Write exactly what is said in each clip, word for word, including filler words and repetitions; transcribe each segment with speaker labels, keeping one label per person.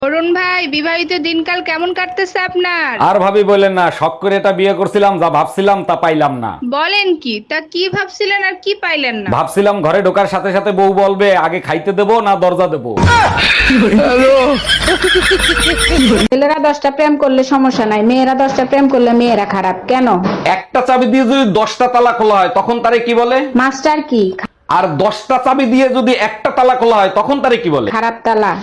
Speaker 1: অরুণ ভাই, বিবাহিত দিনকাল কেমন কাটতেছে আপনার?
Speaker 2: আর ভাবি বললেন না, শখ করে এটা বিয়ে করছিলাম, যা ভাবছিলাম তা পাইলাম না।
Speaker 1: বলেন কি? তা কি ভাবছিলেন আর কি পাইলেন না?
Speaker 2: ভাবছিলাম ঘরে ঢোকার সাথে সাথে বউ বলবে আগে খাইতে দেবো না দরজা দেবো।
Speaker 3: ছেলেরা দশটা প্রেম করলে সমস্যা নাই, মেয়েরা দশটা প্রেম করলে মেয়েরা খারাপ কেন?
Speaker 2: একটা চাবি দিয়ে যদি দশটা তালা খোলা হয় তখন তারে কি বলে?
Speaker 3: মাস্টার কি?
Speaker 2: আর দশটা চাবি দিয়ে যদি একটা তালা খোলা হয় তখন তারে কি বলে?
Speaker 3: খারাপ তালা।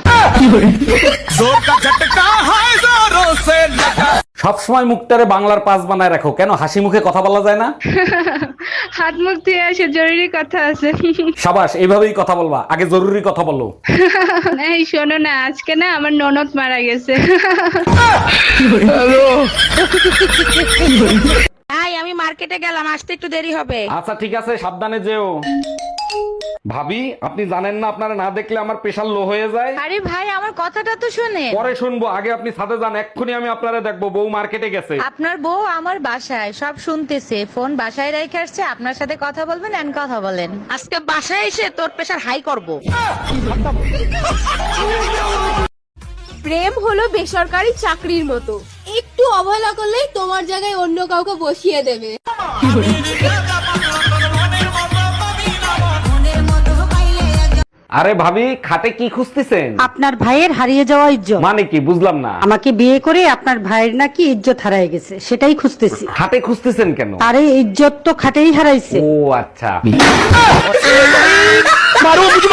Speaker 2: সবসময় মুখটারে বাংলার পাস বানায় রাখো কেন? হাসি মুখে কথা বলা যায় না?
Speaker 1: হাত মুখ ধুয়ে আসে, জরুরি কথা আছে।
Speaker 2: সাবাস, এইভাবেই কথা বলবা, আগে জরুরি কথা বলো।
Speaker 1: এই শোনো না, আজকে না আমার ননদ মারা গেছে।
Speaker 4: ভাই আমি মার্কেটে গেলাম, আসতে একটু দেরি হবে।
Speaker 2: আচ্ছা ঠিক আছে, সাবধানে যেও। ভাবি, আপনি জানেন না আপনারা না দেখলে আমার প্রেশার লো হয়ে যায়?
Speaker 4: আরে ভাই আমার কথাটা তো শুনে।
Speaker 2: পরে শুনবো, আগে আপনি ছাদে যান, এক্ষুনি আমি আপনারা দেখবো। বউ মার্কেটে গেছে।
Speaker 4: আপনার বউ আমার বাসায় সব শুনতেছে, ফোন বাসায় রেখে আসছে, আপনার সাথে কথা বলবেন এন্ড কথা বলেন। আজকে বাসায় এসে তোর প্রেশার হাই করব।
Speaker 5: প্রেম হলো বেসরকারি চাকরির মতো, একটু অবহেলা করলেই তোমার জায়গায় অন্য কাউকে বসিয়ে দেবে।
Speaker 2: আরে ভাবি, খাটে কি খুঁজতেছেন?
Speaker 6: আপনার ভাইয়ের হারিয়ে যাওয়া ইজ্জত।
Speaker 2: মানে কি বুঝলাম না।
Speaker 6: আমাকে বিয়ে করে আপনার ভাইয়ের নাকি ইজ্জত হারায় গেছে, সেটাই খুঁজতেছি।
Speaker 2: খাটে খুঁজতেছেন কেন?
Speaker 6: আরে ইজ্জত তো খাটেই হারাইছে।
Speaker 2: ও আচ্ছা।